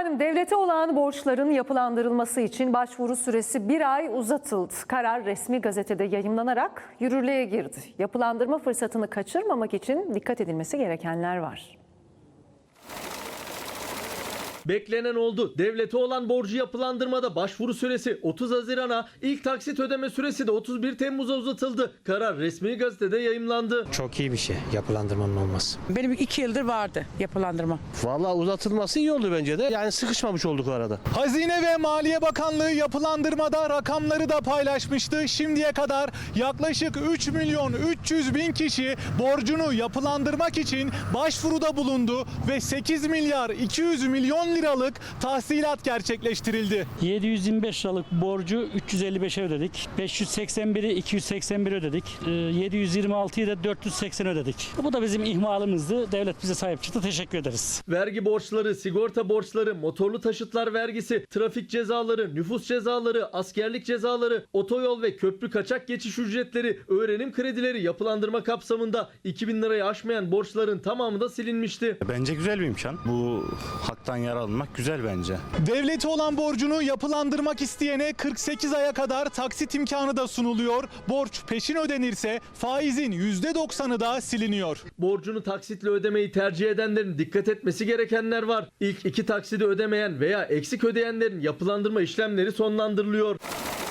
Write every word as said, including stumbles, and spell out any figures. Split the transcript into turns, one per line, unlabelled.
Efendim devlete olan borçların yapılandırılması için başvuru süresi bir ay uzatıldı. Karar resmi gazetede yayımlanarak yürürlüğe girdi. Yapılandırma fırsatını kaçırmamak için dikkat edilmesi gerekenler var.
Beklenen oldu. Devlete olan borcu yapılandırmada başvuru süresi otuz Haziran'a, ilk taksit ödeme süresi de otuz bir Temmuz'a uzatıldı. Karar resmi gazetede yayımlandı.
Çok iyi bir şey yapılandırmanın olması.
Benim iki yıldır vardı yapılandırma.
Vallahi uzatılması iyi oldu bence de. Yani sıkışmamış olduk arada.
Hazine ve Maliye Bakanlığı yapılandırmada rakamları da paylaşmıştı. Şimdiye kadar yaklaşık üç milyon üç yüz bin kişi borcunu yapılandırmak için başvuruda bulundu ve sekiz milyar iki yüz milyon liralık tahsilat gerçekleştirildi.
yedi yüz yirmi beş liralık borcu üç yüz elli beşe ödedik. beş yüz seksen biri iki yüz seksen bir ödedik. yedi yüz yirmi altıyı da dört yüz seksen ödedik. Bu da bizim ihmalımızdı. Devlet bize sahip çıktı. Teşekkür ederiz.
Vergi borçları, sigorta borçları, motorlu taşıtlar vergisi, trafik cezaları, nüfus cezaları, askerlik cezaları, otoyol ve köprü kaçak geçiş ücretleri, öğrenim kredileri yapılandırma kapsamında iki bin lirayı aşmayan borçların tamamı da silinmişti.
Bence güzel bir imkan. Bu haktan yararlanmak güzel bence.
Devlete olan borcunu yapılandırmak isteyene kırk sekiz aya kadar taksit imkanı da sunuluyor. Borç peşin ödenirse faizin yüzde doksanı da siliniyor.
Borcunu taksitle ödemeyi tercih edenlerin dikkat etmesi gerekenler var. İlk iki taksidi ödemeyen veya eksik ödeyenlerin yapılandırma işlemleri sonlandırılıyor.